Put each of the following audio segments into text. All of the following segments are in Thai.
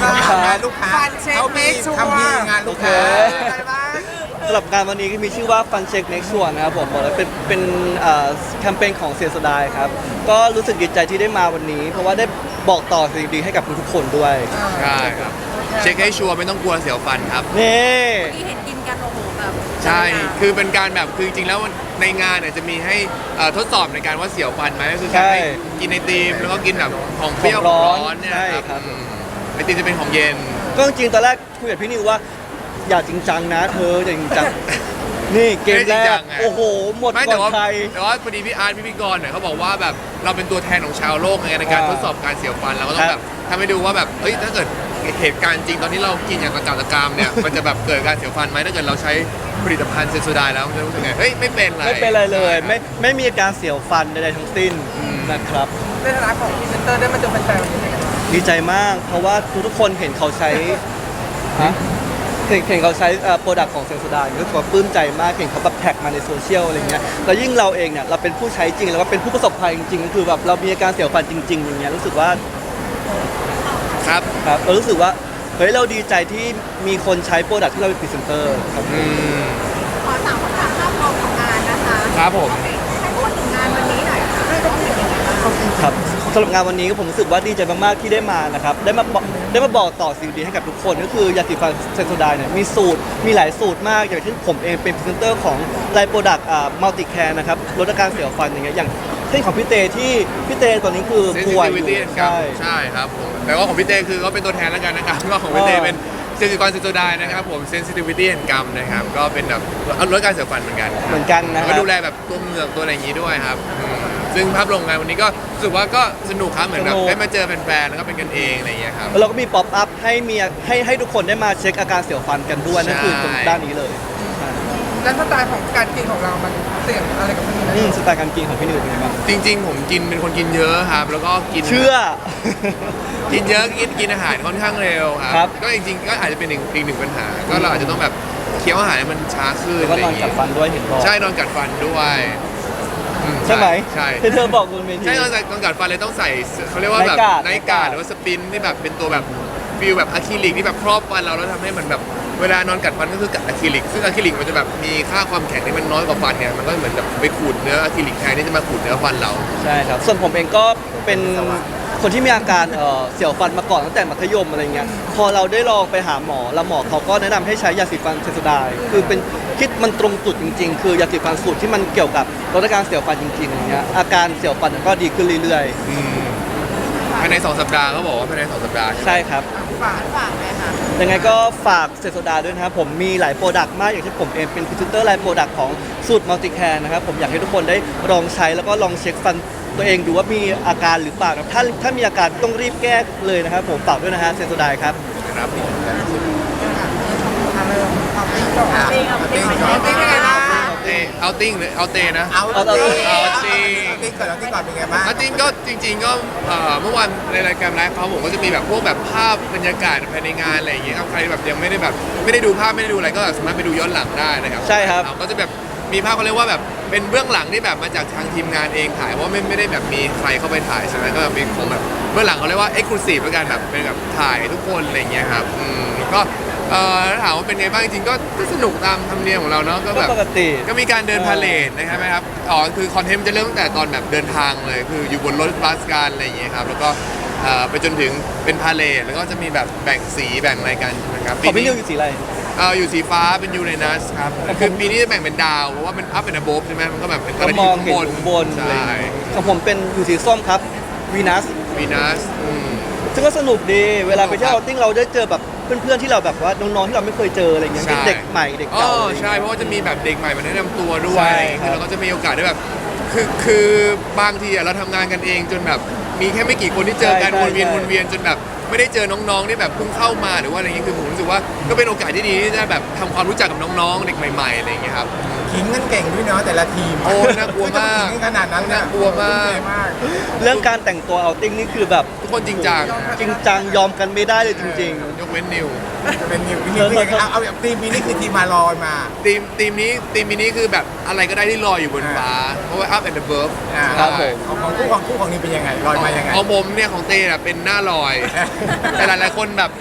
งานลูกค้าเขามีทำดีงานลูกค้าอะไรบ้างสำหรับงานวันนี้ก็มีชื่อว่า Fun Check Next One นะครับผมบอกเลยเป็นแคมเปญของเซียสดายครับก็รู้สึกดีใจที่ได้มาวันนี้ เพราะว่าได้บอกต่อสิ่งดีๆให้กับทุกๆคนด้วยใช่ครับเช็คให้ชัวร์ไม่ต้องกลัวเสียวฟันครับนี่ที่เห็นกินกันโอ้โหแบบใช่ คือเป็นการแบบคือจริงๆแล้วในงานเนี่ยจะมีให้ทดสอบในการว่าเสียวฟันไหมก็คือการให้กินไอติมแล้วก็กินแบบของเปรี้ยวของร้อนเนี่ยใช่คครัรับบ ไอติมจะเป็นของเย็นก็จริงๆตอนแรกคุยกับพี่นิวว่าอย่าจริงจังนะเธออย่าจริงจัง นี่เกมแรกโอ้โหหมดไม่ก่แต่อนว่าใครแต่ว่าพอดีพี่อาร์ตพี่กรณ์เนี่ยเขาบอกว่าแบบเราเป็นตัวแทนของชาวโลกในการทดสอบการเสียวฟันเราก็ต้องแบบทำให้ดูว่าแบบเฮ้ยถ้าเกิดเหตุการณ์จริงตอนที่เรากินอย่างกระจัดกรามเนี่ยมันจะแบบเกิดการเสียวฟันไหมถ้าเกิดเราใช้ผลิตภัณฑ์เซนโซไดแล้วมันจะรู้สึกไงเฮ้ยไม่เป็นไรไม่เป็นไรเลยไม่มีอาการเสียวฟันใดๆทั้งสิ้นนะครับในฐานะของพรีเซนเตอร์ได้มาเจอแฟนๆวันนี้เป็นไงบ้างดีใจมาก เพราะว่าทุกๆคนเห็นเขาใช้ฮะเห็นเขาใช้โปรดักต์ของเซนโซไดก็ถือว่าปลื้มใจมากเห็นเขาแบบแท็กมาในโซเชียลอะไรเงี้ยแล้วยิ่งเราเองเนี่ยเราเป็นผู้ใช้จริงแล้วก็เป็นผู้ประสบภัยจริงๆก็คือแบบเรามีอาการเสียวฟันจริงๆอย่างเงี้ยรู้สึกว่าครับครับเรารู้สึกว่าเฮ้ยเราดีใจที่มีคนใช้โปรดักต์ที่เราเป็นพรีเซนเตอร์ครับขอถามคำถามภาพรวมของงานนะคะครับผมให้พูดถึงงานวันนี้หน่อยค่ะต้องเป็นยังไงบ้างครับสำหรับงานวันนี้ก็ผมรู้สึกว่าดีใจมากๆที่ได้มานะครับได้มาบอกต่อสิ่งดีให้กับทุกคนก็คือยาสีฟันเซนโซไดเนี่ยมีสูตรมีหลายสูตรมากอย่างเช่นผมเองเป็นพรีเซนเตอร์ของไลน์โปรดักต์มัลติแคร์นะครับลดอาการเสียวฟันอย่างเงี้ยอย่างเช่นของพี่เตที่พี่เตตอนนี้คือป่วยอยู่ sensitivity ครับใช่ใช่ครับผมแต่ว่าของพี่เต้คือก็เป็นตัวแทนแล้วกันนะครับก็ของพี่เต้เป็นเซนซิกรเซนโซไดนะครับผม sensitivity and gum นะครับก็เป็นแบบลดการเสียวฟันเหมือนกันเหมือนกันนะคก็รับดูแลแบบตัวเหงือกตัวอะไรอย่างนี้ด้วยครับซึ่งภาพรวมงานวันนี้ก็รู้สึกว่าก็สนุกครับเหมือนแบบได้มาเจอแฟนๆแล้วก็เป็นกันเองอะไรอย่างเงี้ยครับแล้วเราก็มีป๊อปอัพให้ทุกคนได้มาเช็คอาการเสียวฟันกันด้วยนั่นคือตรงด้านนี้เลยแล้วสไตล์ของการกินของเรามันเสี่ยงอะไรกับคนอื่นไหมสไตล์การกินของพี่นิวเป็นไงบ้างจริงๆผมกินเป็นคนกินเยอะครับแล้วก็กินเชื่อกินเยอะกินอาหารค่อนข้างเร็วคครัรับ ก็จริงๆก็อาจจะเป็นอีกหนึ่งปัญหา ก็เราอาจจะต้องแบบเคี้ยวอาหารให้มันช้าขึ้นแล้วก็นอนกัดฟันด้วยเห็นบอกใช่นอนกัดฟันด้วยใช่ไหมใช่ที่เธอบอกบนเวทีใช่นอนกัดฟันเลยต้องใส่เขาเรียกว่าแบบไนท์การ์ดหรือว่าสปินที่แบบเป็นตัวแบบฟิลแบบอะคริลิกที่แบบครอบฟันเราแล้วทำให้มันแบบเวลานอนกัดฟันก็คือกัดอะคริลิกซึ่งอะคริลิกมันจะแบบมีค่าความแข็งที่มันน้อยกว่าฟันเนี่ยมันก็เหมือนแบบไปขูดเนื้ออะคริลิกแทนที่จะมาขูดเนื้อฟันเราใช่ครับ ส่วนผมเองก็เป็นคนที่มีอาการเสียวฟันมาก่อนตั้งแต่มัธยมอะไรเงี้ย พอเราได้ลองไปหาหมอแล้วหมอเขาก็แนะนำให้ใช้ยาสีฟันเซนโซไดคือเป็นคิดมันตรงจุดจริง ๆ คือยาสีฟันสูตรที่มันเกี่ยวกับลดอาการเสียวฟันจริงๆอย่างเงี้ย อาการเสียวฟันก็ดีขึ้นเรื่อยภายใน2 สัปดาห์เขาบอกว่าภายใน2 สัปดาห์ๆ ใช่ครับฝากฝากเลยค่ะยังไงก็ฝากเซนโซไดด้วยนะครับผมมีหลายโปรดักต์มากอย่างที่ผมเองเป็นพรีเซนเตอร์ไลน์โปรดักต์ของสูตรมัลติแคร์นะครับผมอยากให้ทุกคนได้ลองใช้แล้วก็ลองเช็คฟันตัวเองดูว่ามีอาการหรือเปล่าครับถ้ามีอาการต้องรีบแก้เลยนะครับผมฝากด้วยนะฮะเซนโซไดครับครับเอาเริ่มเอาติ้งก่อนเอาติ้งเป็นไงบ้างเอาติ้งหรือเอาเตนะเอาติ้งเอาติ้งเอาติ้งก่อนเป็นไงบ้างเอาติ้งก็จริงๆก็เมื่อวานในรายการไลฟ์เขาผมก็จะมีแบบพวกแบบภาพบรรยากาศภายในงานอะไรอย่างเงี้ยครับใครแบบยังไม่ได้แบบไม่ได้ดูภาพไม่ได้ดูอะไรก็สามารถไปดูย้อนหลังได้นะครับใช่ครับก็จะแบบมีภาพเขาเรียกว่าแบบเป็นเบื้องหลังที่แบบมาจากทางทีมงานเองถ่ายเพราะว่าไม่ได้แบบมีใครเข้าไปถ่ายใช่ไหมก็แบบมีของแบบเบื้องหลังเขาเรียกว่าเอ็กซ์คลูซีฟแล้วกันแบบเป็นแบบถ่ายทุกคนอะไรอย่างเงี้ยครับก็ถ้าถามว่าเป็นไงบ้างจริงๆก็สนุกตามธรรมเนียมของเราเนาะก็แบบก็ปกติก็มีการเดินพาเลทนะครับคือคอนเทนต์จะเริ่มตั้งแต่ตอนแบบเดินทางเลยคืออยู่บนรถบัสกันอะไรอย่างเงี้ยครับแล้วก็ไปจนถึงเป็นพาเลทแล้วก็จะมีแบบแบ่งสีแบ่งอะไรกันนะครับของพี่นิวอยู่สีอะไรอยู่สีฟ้าเป็นยูเรนัสครับคือปีนี้จะแบ่งเป็นดาวเพราะว่าเป็นอัพเป็นอะโบฟใช่ไหมมันก็แบบเป็นก็อะไรมที่องข้างเห็นบนข้างบนอะไรใช่อย่างเงี้ยของผมเป็นอยู่สีส้มครับวีนัสวีนัสซึ่งก็สนุกดีเวลาไปเที่ยวเอาติ้งเราได้เจอแบบเพื่อนๆที่เราแบบว่าน้องๆที่เราไม่เคยเจออะไรอย่างเงี้ยเป็นเด็กใหม่เด็กอ๋อเก่าอะไรอย่างใช่เงี้ยเพราะว่าจะมีแบบเด็กใหม่มาแนะนำตัวด้วใช่ยครับแล้วก็จะมีโอกาสได้แบบคือบางทีเราทำงานกันเองจนแบบมีแค่ไม่กี่คนที่เจอกันวนเวียนจนแบบไม่ได้เจอน้องๆที่แบบเพิ่งเข้ามาหรือว่าอะไรเงี้ยคือผมรู้สึกว่าก็เป็นโอกาสที่ดีที่จะแบบทำความรู้จักกับน้องๆเด็กใหม่ๆอะไรอย่างเงี้ยครับขิงกันเก่งด้วยเนาะแต่ละทีมโอ้น่ากลัวมากขิงขนาดนั้นน่ากลัวมากเรื่องการแต่งตัวเอาติ้งนี่คือแบบทุกคนจริงจังจริงจังยอมกันไม่ได้เลยจริงยกเว้นนิวเป็นนิวเอาแบบทีมนี้คือทีมมาลอยมาทีมนี้คือแบบอะไรก็ได้ที่ลอยอยู่บนฟ้าเพราะว่า up and above ครับผมของคู่ของนี้เป็นยังไงลอยมายังไงของผมเนี่ยของเต้น่ะเป็นหน้าลอย แต่หลายๆคนแบบ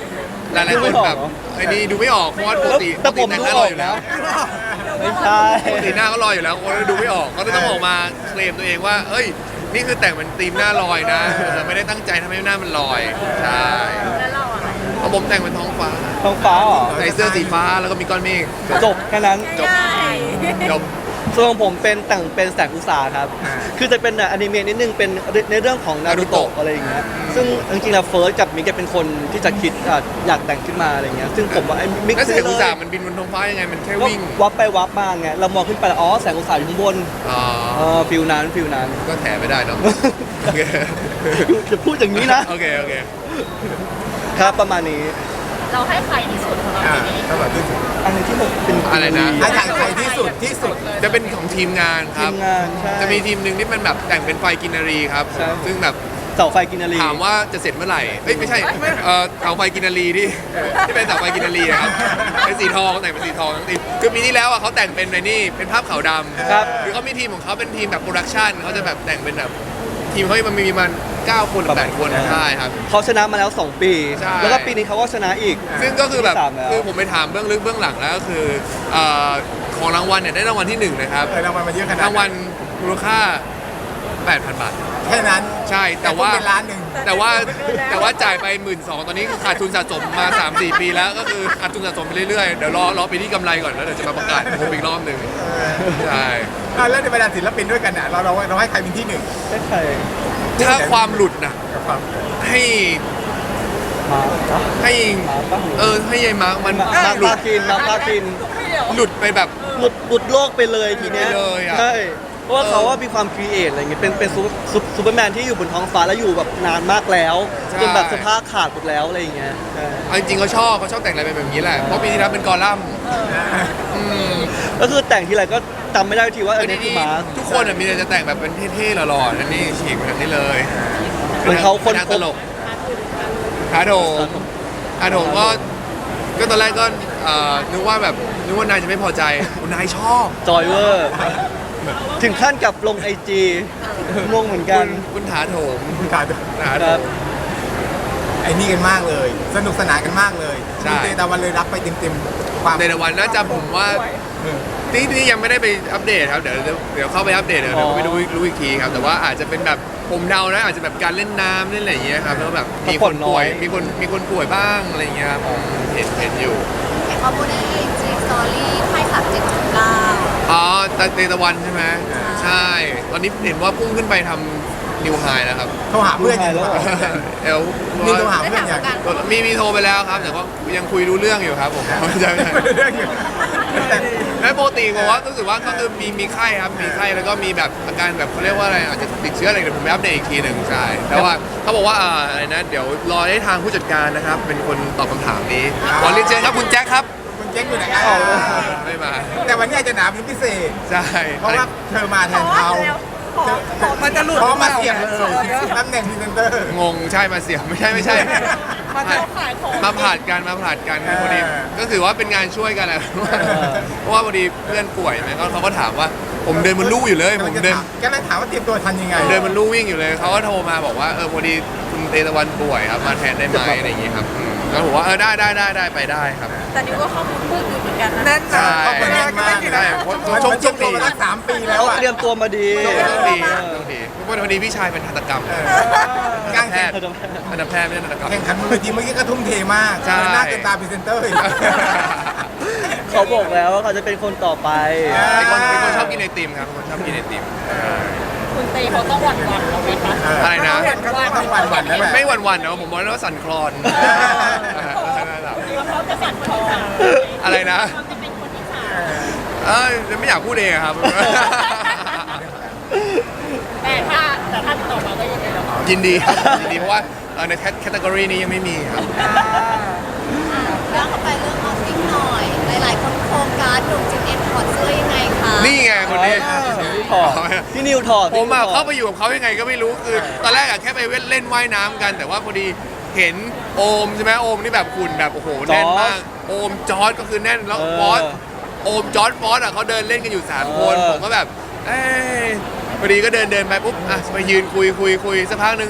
หลายๆคนแบบไอ้นี่ดูไม่ออกเพราะว่าปกติแต่ผมแต่งดูหน้าอรออกอยู่แล้วไม่ใช่ปกติหน้าก็ลอยอยู่แล้วคนดูไม่ออกก็เลยต้องออกมาเคลมตัวเองว่าเอ้ยนี่คือแต่งเป็นธีมหน้าลอยนะแต่ไม่ได้ตั้งใจทำให้หน้ามันลอยใช่แล้วเราอะไรเพราะผมแต่งเป็นท้องฟ้าท้องฟ้าเหรอใส่เสื้อสีฟ้าแล้วก็มีก้อนเมฆจบแค่นั้นจบ จบส่วนของผมเป็นแต่งเป็นแสงอุตสาหครับ คือจะเป็นอนิเมะนิดนึงเป็นในเรื่องของนารูโตะ Naruto อะไรอย่างเงี้ย ซึ่งจริงๆแล้วเฟิร์สกับมิกเป็นคนที่จะคิดอยากแต่งขึ้นมาอะไรเงี้ย ซึ่งผมว่าไอ้มิกแล้วแสซื้งออุตเลสาย ห์มันบินบนท้องฟ้ายังไงมันแค่ก็วิ่งวับไปวับมาไง เรามองขึ้นไปแล้วอ๋อแสงอุตสาหอยู่ข้างบนอ๋อฟิลนั้นฟิลนั้นก็แถไม่ได้เนาะโอเคจะพูดอย่างนี้นะโอเคโอเคครับประมาณนี้เราให้ใครที่สุดของเราอ่าปีนี้ตลอดที่สุดอันนี้ที่ผมเป็นอะไรนะอาจารย์ใครที่สุดที่สุดจะเป็นของทีมงานคทีรับมงานใช่จะมีทีมหนึ่งที่มันแบบแต่งเป็นไฟกินนารีครับใช่ซึ่งแบบเสาไฟกินนารีถามว่าจะเสร็จเมื่อไหร่เอ้ยไม่ใช่เสาไฟกินนารีที่เป็นเสาไฟกินนารีอะครับเป็นสีทองแต่งเป็นสีทองทั้งทีมคือปีที่แล้วอะเขาแต่งเป็นในนี่เป็นภาพขาวดำครับคือเขามีทีมของเขาเป็นทีมแบบโปรดักชันเขาจะแบบแต่งเป็นแบบทีมเขามันมีมัน9 คนหรือ8 คนใช่ครับเขาชนะมาแล้ว 2 ปีใช่แล้วก็ปีนี้เขาก็ชนะอีกซึ่งก็คือแบบที่สามแล้วคือผมไปถามเบื้องลึกเบื้องหลังแล้วก็คือของรางวัลเนี่ยได้รางวัลที่1นะครับรางวัลมาเยอะขนาดนั้นรางวัลมูลค่า 8,000 บาทแค่นั้นใช่แต่ว่าเป็นล้านหนึ่งแต่ว่าจ่ายไป 12,000ตอนนี้คือขาดทุนสะสมมา 3-4 ปีแล้วก็คือขาดทุนสะสมไปเรื่อยๆ เดี๋ยวรอปีที่กำไรก่อนแล้วเดี๋ยวจะมาประกาศผมอีกรอบหนึ่งใช่แล้วในบรรดาศิลปินด้วยกันน่ะเราให้ใครเป็นที่หนึ่งได้ใครถ้าความหลุดนะกับความให้มาปะให้มาปะให้ยายมาร์คมันมาหลุปาดคินมาปาคินหลุดไปแบบหลุดโลกไปเลยทีเนี้ยหลุดไปเลยอะใช่เพราะว่าเขาว่ามีความครีเอทอะไรเงี้ยเป็นซูเปอร์แมนที่อยู่บนท้องฟ้าแล้วอยู่แบบนานมากแล้วจนแบบสภาพขาดหมดแล้วอะไรอย่างเงี้ยใช่เอาจริงๆเขาชอบแต่งอะไรแบบนี้แหละ เพราะปีที่แล้วเป็นกอลัมน์มก็คือแต่งทีไรก็จำไม่ได้ทีว่าเออทีเนี่ยคือนี้มาทุกคนอะมีแต่จะแต่งแบบเป็นเท่ๆหล่อๆนั่นนี่ฉีกแบบนี้เลยเหมือนเขาคนป็นพตบลกอาโถอาโถก็ตอนแรกก็นึกว่านายจะไม่พอใจนายชอบจอยเวอร์ถึงขั้นกับลงไอจีงงเหมือนกันคุณถาโถมขาดถาคโถรับมไอ้นี่กันมากเลย สนุกสนานกันมากเลยใช่คุณเตตะวันเลยรับไปเต็มๆความในแต่วันน่าจะผมว่านี่ยังไม่ได้ไปอัปเดตครับเดี๋ยวเข้าไปอัปเดตเดี๋ยวไปดูรู้อีกทีครับแต่ว่าอาจจะเป็นแบบผมเดานะอาจจะแบบการเล่นน้ำเล่นอะไรอย่างเงี้ยครับแล้วแบบมีคนป่วยมีคนป่วยบ้างอะไรอย่างเงี้ยครับผมเห็นอยู่เห็นว่าพูดในจีสตอรี่ให้ขับ7.9 อ๋อเตตะวันใช่ไหมใช่ ตอนนี้เห็นว่าพุ่งขึ้นไปทำนิวไฮแล้วครับโทรหาเพื่อนยังแล้วเหรอเอลมีโทรหาได้เพื่อนถามยังกันมีโทรไปแล้วครับแต่ก็ยังคุยรู้เรื่องอยู่ครับผมใช่เรื่องอยู่แต่แล้วปกติผมว่ารู้สึกว่าก็คือมีไข้ครับมีไข้แล้วก็มีแบบอาการแบบเขาเรียกว่าอะไรอาจจะติดเชื้ออะไรเดี๋ยวผมไปอัปเดตอีกทีหนึ่งใช่แต่ว่าเขาบอกว่าอะไรนะเดี๋ยวรอให้ทางผู้จัดการนะครับ เป็นคนตอบคำถามนี้ขอเรียนเชิญครับคุณแจ็คครับคุณเจ๊งอยู่ไหนไม่มาแต่วันนี้อาจจะหนาเป็นพิเศษใช่เพราะว่าเธอมาแทนเขามันจะหลุดเพราะมาเสียบเลยตำแหน่งพรีเซนเตอร์งงใช่มาเสียไม่ใช่มาขายของมาผ่านกันพอดีก็ถือว่าเป็นงานช่วยกันแหละเพราะว่าพอดีเพื่อนป่วยไหมเขาก็ถามว่าผมเดินบนลู่อยู่เลยผมเดินก็เลยถามว่าเตรียมตัวทันยังไงเดินบนลู่วิ่งอยู่เลยเขาก็โทรมาบอกว่าพอดีคุณเตตะวันป่วยครับมาแทนได้ไหมอะไรอย่างงี้ครับแล้วผมว่าได้ไปได้ครับแต่นี่ว่าข้อมูลเพิ่มอยู่เหมือนกันนะแน่นใช่เขาเป็นแรกมากใช่ชมตัวมาตั้ง3 ปีแล้วเขาอ่ะเตรียมตัวมาดีต้องดีเพราะว่าพอดีพี่ชายเป็นทันตกรรมการแพทย์ทันตแพทย์ไม่ใช่ทันตกรรมแข่งขันบนเวทีเมื่อกี้ก็ทุ่มเทมากใช่หน้าเกินตาพรีเซนเตอร์อีกเขาบอกแล้วว่าเขาจะเป็นคนต่อไปเป็นคนชอบกินไอติมครับเป็นคนชอบกินไอติมคุณเตเขาต้องหวั่นเราไหมคะอะไรนะก็ต้องหวั่นๆแล้วแหละไม่หวั่นๆนะผมบอกแล้วว่าสั่นคลอนเขาจะสั่นคลอนอะไรนะเขาจะเป็นคนที่สามไม่อยากพูดเองครับแต่ถ้าต่อมาก็ยังไงเรายินดีครับยินดีเพราะว่าในแคตตากรีนี้ยังไม่มีครับเรื่องเข้าไปเรื่องออฟฟิศหน่อย หลายๆคนโครงการลงจิมเอ็มถอดเสื้อยังไงคะนี่ไงคนนี้ที่ถอดที่นิวถอดผมอะที่นิวถอดเข้าไปอยู่กับเขายังไงก็ไม่รู้คือตอนแรกอะแค่ไปเล่นว่ายน้ำกัน แต่ว่าพอดีเห็นโอมใช่ไหมโอมนี่แบบหุ่นแบบโอ้โหแน่นมากโอมจอร์ดก็คือแน่นแล้วฟอสโอมจอร์ดฟอสอะเขาเดินเล่นกันอยู่3 คนผมก็แบบเอ้ยพอดีก็เดินไปปุ๊บอ่ะไปยืนคุยสักพักหนึ่ง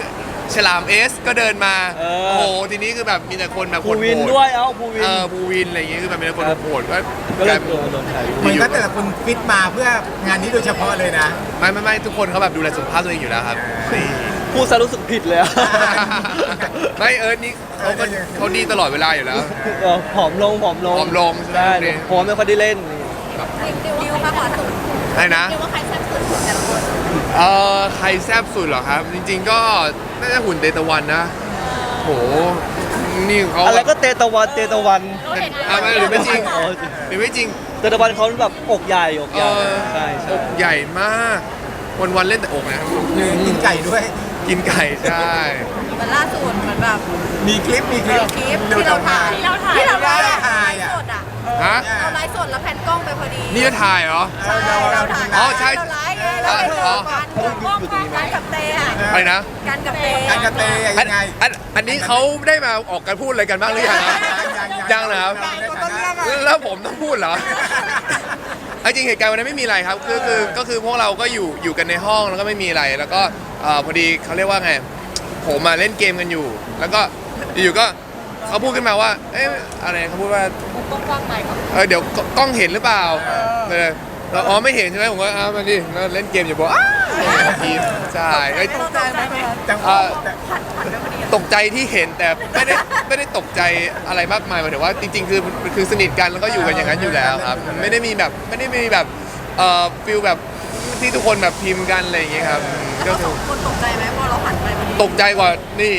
ฉลามเอสก็เดินมาเออโอ้โหทีนี้คือแบบมีแต่คนแบบภูวินโหด้วยภูวินภูวินอะไรอย่างเงี้ยคือแบบมีแต่คนโหดก็ก็เลยกลายเป็นโดนใช้เหมือนกันแต่ละคนฟิตมาเพื่องานนี้โดยเฉพาะเลยนะไม่ทุกคนเขาแบบดูแลสุขภาพตัวเองอยู่แล้วครับนี่พูดซะรู้สึกผิดเลยอะไม่นี่เขาดีตลอดเวลาอยู่แล้วผอมลงผอมลงผอมลงใช่ไหมได้ผมไม่ค่อยได้เล่นดิวว่าใครสุดใช่นะดิวว่าใครแซ่บสุดแต่ละคนใครแซ่บสุดเหรอครับ จริง ๆ ก็น่าจะหุ่นเตตะวันนะโหนี่เขาอะไรก็เตตะวันเตตะวันไม่หรือไม่จริงอ๋อหรือไม่จริงเตตะวันเขาแบบอกใหญ่อกใหญ่ใช่อใช่กใหญ่มากวันๆเล่นแต่อกนะครับกินไก่ด้วยกินไก่ใช่มันล่าสุดเหมือนแบบมีคลิปคลิปที่เราถ่ายที่เราไลฟ์สดอ่ะฮะเราไลฟ์สดแล้วแผ่นกล้องไปพอดีนี่จะถ่ายเหรอเราถ่ายอ๋อใช่เราไลฟ์เราไปเจอกันกับเตะอะไรนะกันกับเตะการกระเตยยังไงอันนี้เขาได้มาออกกันพูดอะไรกันบ้างหรือยังครับ ยังเหรอครับ แล้วผมต้องพูดเหรอเอาจริงเหตุการณ์วันนั้นไม่มีอะไรครับก็คือพวกเราก็อยู่กันในห้องแล้วก็ไม่มีอะไรแล้วก็พอดีเขาเรียกว่าไงผมมาเล่นเกมกันอยู่ แล้วก็อยู่ก็เขาพูดขึ้นมาว่าเอ๊ะอะไรเขาพูดว่ากว้างๆใหม่ก่อนเดี๋ยวกล้องเห็นหรือเปล่าแล้วอ๋อไม่เห็นใช่ไหมผมก็มาดิแล้วเล่นเกมอยู่บอกทีใช่ตกใจไหมจังหวะตกใจที่เห็นแต่ไม่ได้ตกใจอะไรมากมายหมายถึงว่าจริงๆคือสนิทกันแล้วก็อยู่กันอย่างนั้นอยู่แล้วครับไม่ได้มีแบบฟิลแบบที่ทุกคนแบบพิมพ์กันอะไรอย่างเงี้ยครับก็สองคนตกใจไหมพอเราหันไปพอดีตกใจกว่านี่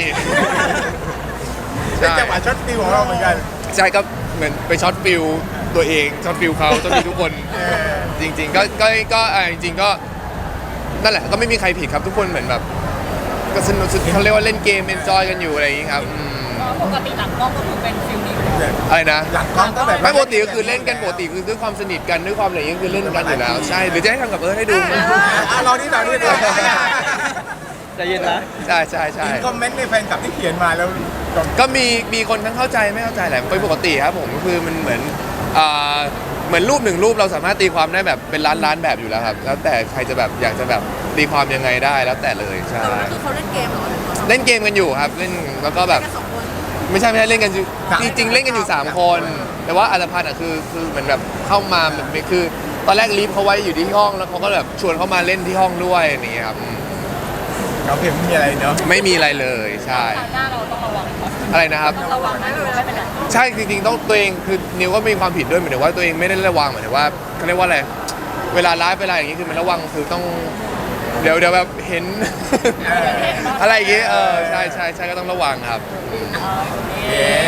เป็นจังหวะช็อตฟิวของเราเหมือนกันใช่ก็เหมือนไปช็อตฟิลตัวเองช็อตฟิลเขาช็อตฟิลทุกคนจริงๆก็จริงๆก็นั่นแหละก็ไม่มีใครผิดครับทุกคนเหมือนแบบก็สนุกเขาเรียกว่าเล่นเกมเอนจอยกันอยู่อะไรอย่างงี้ครับปกติหลังกล้องก็คือเป็นฟิลนี้อะไรนะหลังกล้องก็แบบไม่ปกติก็คือเล่นกันปกติคือด้วยความสนิทกันด้วยความอะไรอย่างเงี้ยคือเล่นกันอยู่แล้วใช่หรือจะให้ทำกับให้ดูเรานี่ใจเย็นนะใช่ใช่ใช่คอมเมนต์ในแฟนคลับที่เขียนมาแล้วก็มีคนทั้งเข้าใจไม่เข้าใจแหละเป็นปกติครับผมก็คือมันเหมือนรูปหนึ่งรูปเราสามารถตีความได้แบบเป็นล้านแบบอยู่แล้วครับแล้วแต่ใครจะแบบอยากจะแบบตีความยังไงได้แล้วแต่เลยใช่คือเขาเล่นเกมเหรอเล่นเกมกันอยู่ครับเล่นแล้วก็แบบแค่2 คนไม่ใช่เล่นกันอยู่จริงๆเล่นกันอยู่3 คน แต่ว่าอัตภัณฑ์คือเหมือนแบบเข้ามาแบบคือตอนแรกลีฟเขาไว้อยู่ที่ห้องแล้วเขาก็แบบชวนเขามาเล่นที่ห้องด้วยอย่างเงี้ยครับเราเพียงไม่มีอะไรเนาะไม่มีอะไรเลยใช่หน้าเราต้องระวังอะไรนะครับระวังไม่เป็นไรใช่จริงๆต้องตัวเองคือนิวก็มีความผิดด้วยหมายถึงว่าตัวเองไม่ได้ระวังหมายถึงว่าเขาเรียกว่าอะไรเวลาไลฟ์เวลาอย่างนี้คือมันระวังคือต้องเดี๋ยวแบบเห็น อะไรอย่างเงี้ยใช่ก็ต้องระวังครับเย้